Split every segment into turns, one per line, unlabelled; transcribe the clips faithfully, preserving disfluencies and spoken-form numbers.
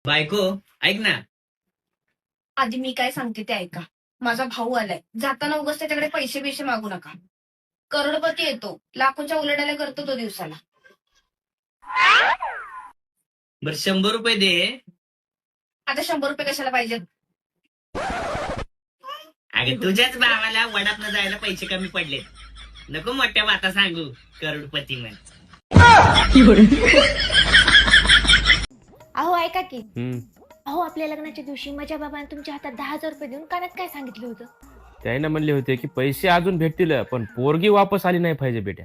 बायको ऐक ना.
आधी मी काय सांगते ते ऐका. माझा भाऊ आलाय, जाताना उगाच त्याच्याकडे पैसे बिशे मागू नका. करोडपती येतो, लाखोच्या उलाढाल्या करतो तो दिवसाला.
बर शंभर रुपये दे.
आता शंभर रुपये कशाला पाहिजेत?
अगं तुझ्याच भावाला वडाप न जायला पैसे कमी पडलेत. नको मोठ्या वाता सांगू करोडपती म्हण.
अहो ऐका की,
हम्म.
अहो आपल्या लग्नाच्या दिवशी माझ्या बाबाने तुमच्या हातात दहा हजार रुपये देऊन कानात काय सांगितलं होतं?
त्याने म्हणले होते की पैसे अजून भेटतील पण पोरगी वापस आली नाही पाहिजे बेट्या.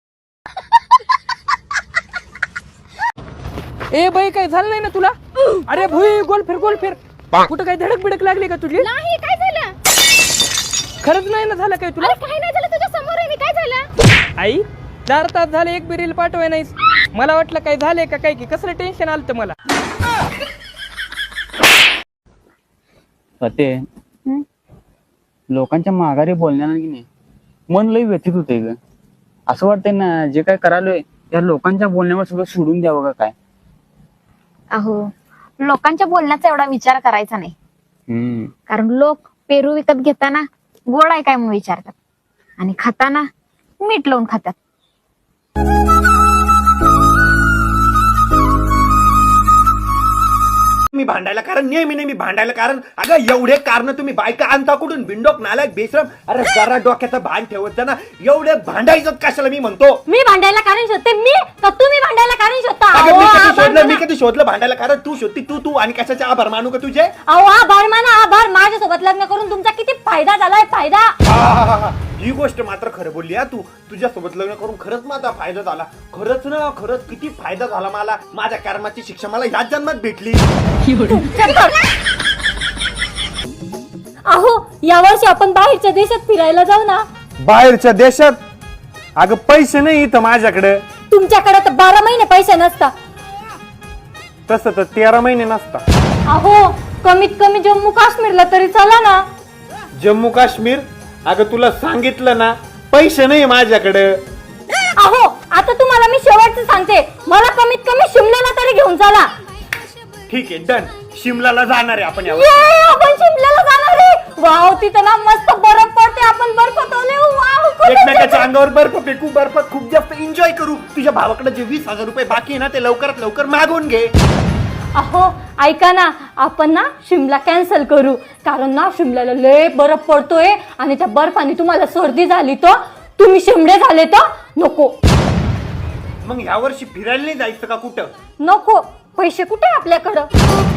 ए बाई काय झालं नाही ना तुला? अरे भुई गोल फिर गोल फिर. कुठं काही धडक बिडक लागली का तुझी?
नाही, काय झालं?
खरंच नाही ना झालं काय तुला?
अरे काय नाही झालं, तुझ्या समोर आहे मी, काय झालं?
आई चार तास झाले एक बी रील पाठवाय नाहीस. मला वाटलं काय झालंय का काय की कसलं टेन्शन आलं मला.
ते लोकांच्या माघारी बोलण्यानं की नाही मन लई व्यथित होते ग. असं वाटतंय ना जे काय करालोय त्या लोकांच्या बोलण्यावर सगळं सोडून द्यावं का काय.
अहो लोकांच्या बोलण्याचा एवढा विचार करायचा नाही,
हम्म
कारण लोक पेरू विकत घेताना गोड आहे काय म्हणून विचारतात आणि खाताना मीठ लावून खातात.
मी भांडायला कारण नेहमी नेहमी भांडायला कारण अगं एवढे कारण तुम्ही बायका आणता कुठून बिंडोक नालायक बेश्रम. अरे जरा डोक्याचं भान ठेवत जा ना. एवढे भांडायचं कशाला मी म्हणतो.
मी भांडायला कारण शोधते मी का तुम्ही भांडायला कारण शोधता?
अगं मी कधी शोधलं मी कधी शोधलं भांडायला कारण तू शोधती तू तू आणि कशाचे आभार मानू का तुझे?
अहो आभार माना आभार. माझ्यासोबत लग्न करून तुमचा किती फायदा झालाय फायदा.
हा, हा, हा, हा. ही गोष्ट मात्र खरं बोलली हा तू. तुझ्यासोबत लग्न करून खरंच माझा फायदा झाला. खरंच ना खरंच किती फायदा झाला मला. माझ्या कर्माची शिक्षा मला ह्याच जन्मात भेटली.
अहो यावर्षी आपण बाहेरच्या देशात फिरायला जाऊ ना.
बाहेरच्या देशात? अगं पैसे नाही इथं माझ्याकडे.
तुमच्याकडे तर बारा महिने पैसे नसता.
तसं तर तेरा महिने नसता.
अहो कमीत कमी जम्मू काश्मीरला तरी चला ना.
जम्मू काश्मीर? अगं तुला सांगितलं ना पैसे नाही माझ्याकडे.
अहो आता तुम्हाला मी शेवटचं सांगते, मला कमीत कमी शिमल्याला तरी घेऊन चला.
ठीक आहे डन. शिमलाला जाणार आहे आपण यावर.
ये, आपण शिमल्याला जाणार आहे. वाव तिथं ना मस्त बर्फ पडते. आपण बर्फ तोले. वाव खूप
एकमेकाच्या अंगावर बर्फ फेकू बर्फात खूप जास्त एन्जॉय करू. तुझ्या भावाकडे जे वीस हजार रुपये बाकी आहे ना ते लवकरात लवकर मागवून घे.
अहो ऐका ना, आपण ना शिमला कॅन्सल करू, कारण ना शिमल्याला लय बर्फ पडतोय आणि त्या बर्फाने तुम्हाला सर्दी झाली तर तुम्ही शिमडे झाले तर नको.
मग ह्या वर्षी फिरायला नाही जायचं का कुठं?
नको. पैसे कुठे आपल्याकडं?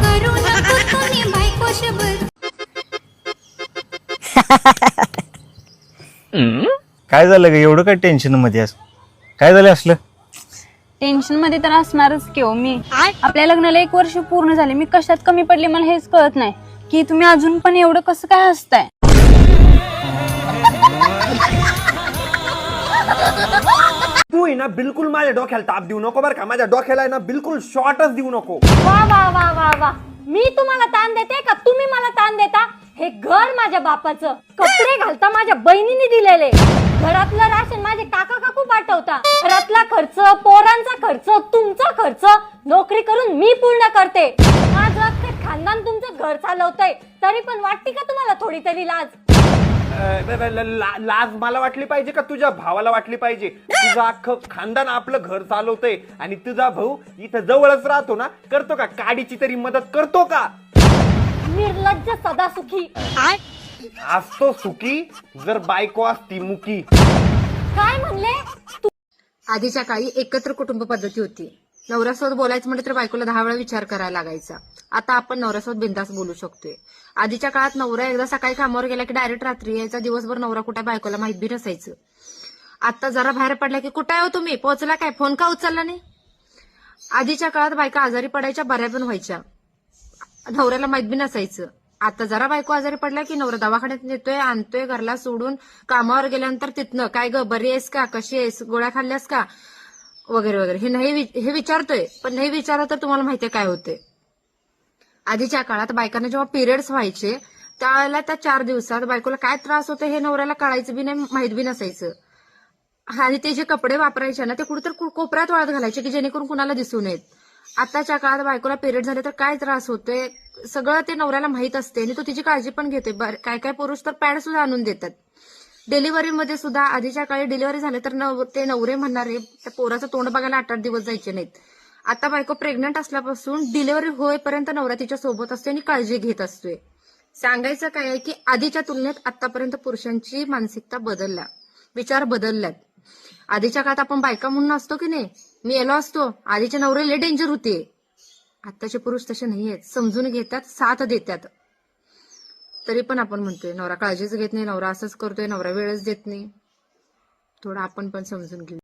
काय झालं ग एवढं काय टेन्शन मध्ये अस काय झालं असलं?
टेन्शन मध्ये तर असणारच की हो मी. आपल्या लग्नाला एक वर्ष पूर्ण झाले, मी कशात कमी पडले मला हेच कळत नाही की तुम्ही अजून पण एवढं कसं काय हसताय.
तू आहे ना बिलकुल माझ्या डोक्याला ताप देऊ नको बरं का. माझ्या डोक्याला आहे ना बिलकुल शॉर्टच देऊ नको.
वा वा वा वा वा. मी तुम्हाला ताण देते का तुम्ही मला ताण देता? हे घर माझ्या बापाचं, कपडे घालता माझ्या बहिणीने दिलेले, घरातलं राशन माझे काका काकू पाठवता, घरातला खर्च, पोरांचा खर्च, तुमचा खर्च नोकरी करून मी पूर्ण करते. माझं अख्खं खानदान तुमचं घर चालवतंय, तरी पण वाटते का तुम्हाला थोडी तरी लाज?
ला- लाज मला वाटली पाहिजे का तुझ्या भावाला वाटली पाहिजे? तुझं अख्खं खानदान आपलं घर चालवतंय आणि तुझा भाऊ इथं जवळच राहतो ना. करतो का काडीची तरी मदत करतो का?
निर्लज्ज सदा सुखी.
असतो सुखी जर बायको असती मुकी.
काय म्हणले?
आधीच्या काळी एकत्र कुटुंब पद्धती होती. नवऱ्यासोबत बोलायचं म्हटलं तर बायकोला दहा वेळा विचार करायला लागायचा. आता आपण नवऱ्यासोबत बिंदास बोलू शकतोय. आधीच्या काळात नवरा एकदा सकाळी कामावर गेला की डायरेक्ट रात्री यायचा. दिवसभर नवरा कुठे बायकोला माहित बी नसायचं. आता जरा बाहेर पडला की कुठे हो तुम्ही, पोहोचला काय, फोन का उचलला नाही? आधीच्या काळात बायका आजारी पडायच्या, बऱ्या पण व्हायच्या, नवऱ्याला माहित बी नसायचं. आता जरा बायको आजारी पडला की नवरा दवाखान्यात नेतोय, आणतोय घरला सोडून. कामावर गेल्यानंतर तिथनं काय ग बरी आहेस का, कशी आहेस, गोळ्या खाल्ल्यास का वगैरे वगैरे हे नाही हे विचारतोय. पण नाही विचारलं तर तुम्हाला माहितीये काय होते. आधीच्या काळात बायकांना जेव्हा पिरियड्स व्हायचे त्यावेळेला त्या चार दिवसात बायकोला काय त्रास होतो हे नवऱ्याला कळायचं बी नाही, माहित बी नसायचं. आणि ते जे कपडे वापरायचे ना ते कुठेतरी कोपऱ्यात वाळत घालायचे की जेणेकरून कुणाला दिसू नयेत. आताच्या काळात बायकोला पिरियड झाले तर काय त्रास होतोय सगळं ते नवऱ्याला माहित असते आणि तो तिची काळजी पण घेते. काय काय पुरुष तर पॅड सुद्धा आणून देतात. डिलिव्हरीमध्ये सुद्धा आधीच्या काळी डिलिव्हरी झाले तर नव ते नवरे म्हणणारे त्या पोराचं तोंड बघायला आठ आठ दिवस जायचे नाहीत. आता बायको प्रेग्नंट असल्यापासून डिलिव्हरी होईपर्यंत नवरा तिच्या सोबत असते आणि काळजी घेत असतोय. सांगायचं काय आहे की आधीच्या तुलनेत आतापर्यंत पुरुषांची मानसिकता बदलल्या, विचार बदलल्यात. आधीच्या काळात आपण बायका म्हणून असतो की नाही, मी येलो असतो, आधीचे नवरे लय डेंजर होते. आताचे पुरुष तसे नाही आहेत, समजून घेतात, साथ देतात. तरी पण आपण म्हणतोय नवरा काळजीच घेत नाही, नवरा असंच करतोय, नवरा वेळच देत नाही. थोडं आपण पण समजून घेऊ.